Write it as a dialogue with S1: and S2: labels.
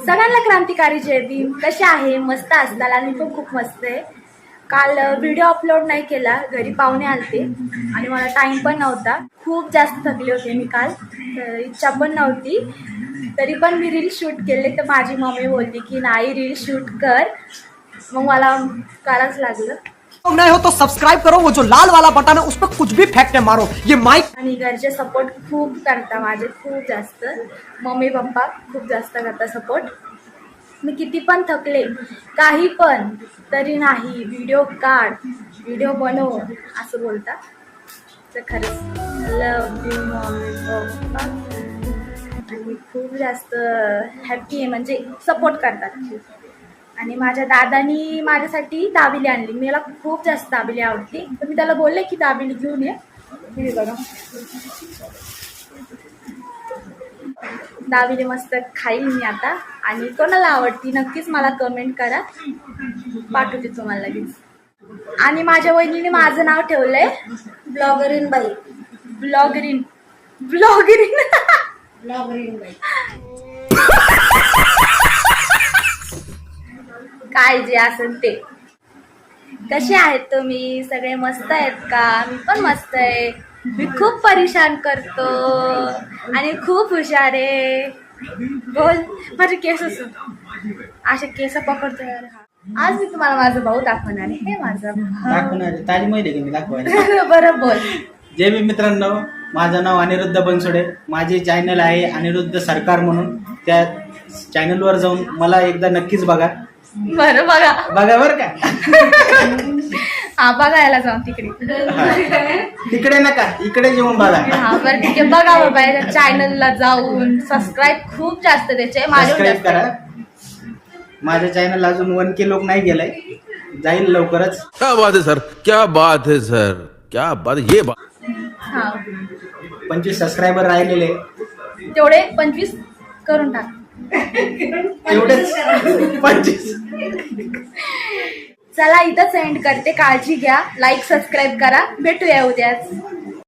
S1: सगळ्यांना क्रांतिकारी जय भीम. कसे आहे? मस्त असताल. आणि पण खूप मस्त आहे. काल व्हिडिओ अपलोड नाही केला, घरी पाहुणे आलते आणि मला टाइम पण नव्हता. खूप जास्त थकले होते मी काल, तर इच्छा पण नव्हती. तरी पण मी रील शूट केले. तर माझी मम्मी बोलली की नाही रील शूट कर, मग मला करावंच लागलं.
S2: नए हो तो सब्सक्राइब करो, वो जो लाल वाला बटन है उस पर कुछ भी फेंक के मारो. ये माइक
S1: आणि घरचे सपोर्ट खूप करता माझे, खूप जास्त. मम्मी पप्पा खूप जास्त करता सपोर्ट. मी किती पण थकले, काही पण, तरी नाही व्हिडिओ काढ, व्हिडिओ बनव असं बोलता. तर खरंच लव यू मम्मी पप्पा. आणि खूप जास्त हॅप्पी आहे, म्हणजे सपोर्ट करतात. आणि माझ्या दादानी माझ्यासाठी दाबिली आणली. मला खूप जास्त दाबिली आवडते, तर मी त्याला बोलले की दाबिली घेऊन ये. हे बघा, दाबिली मस्त खाईल मी आता. आणि कोणाला आवडती नक्कीच मला कमेंट करा, पाठवते तुम्हाला लगेच. आणि माझ्या वहिनीने माझं नाव ठेवलंय
S3: ब्लॉगरीन बाई.
S1: ब्लॉगरीन. ब्लॉगरीन
S3: ब्लॉगरीन बाई.
S1: काय जे असेल ते. कसे आहेत तुम्ही सगळे? मस्त आहेत का? मी पण मस्त आहे. मी खूप परेशान करतो आणि खूप हुशार आहे. बोल. माझे केस असे केस पकडतो यार. आज मी तुम्हाला माझा भाऊ दाखवणार आहे. हे माझा
S4: दाखवणार ताली माहिती की मी दाखवायला.
S1: बरं बोल.
S4: जय भीम मित्रांनो, माझं नाव अनिरुद्ध बनसोडे. माझे चॅनल आहे अनिरुद्ध सरकार म्हणून. त्या चॅनलवर जाऊन मला एकदा नक्कीच बघा.
S1: बरं बघा
S4: बरं का?
S1: हा बघायला जाऊ तिकडे.
S4: तिकडे नका, इकडे येऊन बघा.
S1: हा बरं ठीक आहे. बघा बाबा या चॅनलला जाऊन सबस्क्राईब खूप जास्त त्याचे
S4: सबस्क्राईब करा. माझ्या चॅनल अजून 1K लोक नाही गेलाय, जाईल लवकरच.
S5: क्या बात है सर, क्या बात है सर, क्या बात ये बात.
S1: हा
S4: 25 सबस्क्रायबर राहिलेले,
S1: तेवढे 25 करून टाक.
S4: एवढेच 25.
S1: चला इथंच एंड करते. काळजी घ्या, लाईक सबस्क्राईब करा. भेटूया उद्याच.